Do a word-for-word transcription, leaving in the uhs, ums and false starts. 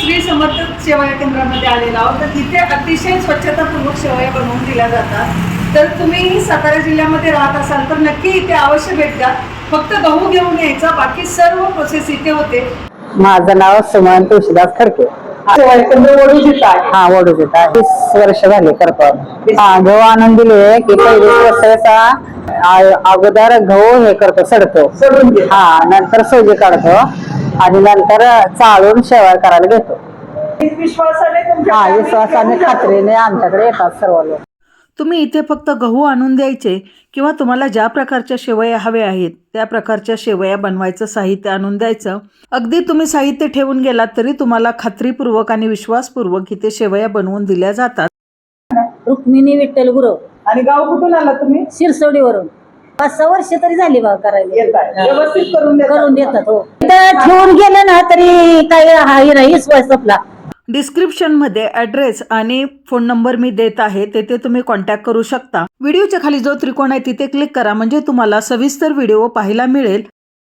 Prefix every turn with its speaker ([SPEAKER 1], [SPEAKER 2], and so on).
[SPEAKER 1] श्री समर्थ सेवा केंद्रामध्ये आलेलो आहोत. तर तिथे अतिशय स्वच्छतापूर्वक सेवा बनवून दिल्या जातात. तर तुम्ही सातारा जिल्ह्यामध्ये राहत असाल तर नक्की इथे अवश्य भेट द्या. फक्त गहू घेऊन यायचा, बाकी सर्व प्रोसेस इथे होते.
[SPEAKER 2] माझं नाव सुमन तुळशीदास खडके. हा वडूज येत आहे. तीस वर्ष झाले करतो. हा गहू आणून दिले की पहिले प्रोसेस अगोदर गहू हे करतो, सडतो. हा नंतर सोजी काढतो आणि नंतर चाळून शेवाळ करायला घेतो.
[SPEAKER 1] विश्वासाने
[SPEAKER 2] हा विश्वासाने खात्रीने आमच्याकडे येतात सर्व लोक.
[SPEAKER 1] तुम्ही इथे फक्त गहू आणून द्यायचे किंवा तुम्हाला ज्या प्रकारच्या शेवया हव्या आहेत त्या प्रकारच्या शेवया बनवायचं साहित्य आणून द्यायचं. अगदी तुम्ही साहित्य ठेवून गेलात तरी तुम्हाला खात्रीपूर्वक आणि विश्वासपूर्वक इथे शेवया बनवून दिल्या जातात.
[SPEAKER 3] रुक्मिणी विठ्ठल गुरव.
[SPEAKER 1] आणि गाव कुठून आला तुम्ही?
[SPEAKER 3] शिरसोडीवरून. पाच सहा वर्ष तरी झाली बा करायला.
[SPEAKER 1] व्यवस्थित करून देतात.
[SPEAKER 3] करून देतात. हो इथं ठेवून गेलं ना तरी काही हाही नाही विश्वास आपला.
[SPEAKER 1] डिस्क्रिप्शनमध्ये ॲड्रेस आणि फोन नंबर मी देत आहे, तेथे तुम्ही कॉन्टॅक्ट करू शकता. व्हिडिओच्या खाली जो त्रिकोण आहे तिथे क्लिक करा, म्हणजे तुम्हाला सविस्तर व्हिडिओ पाहायला मिळेल.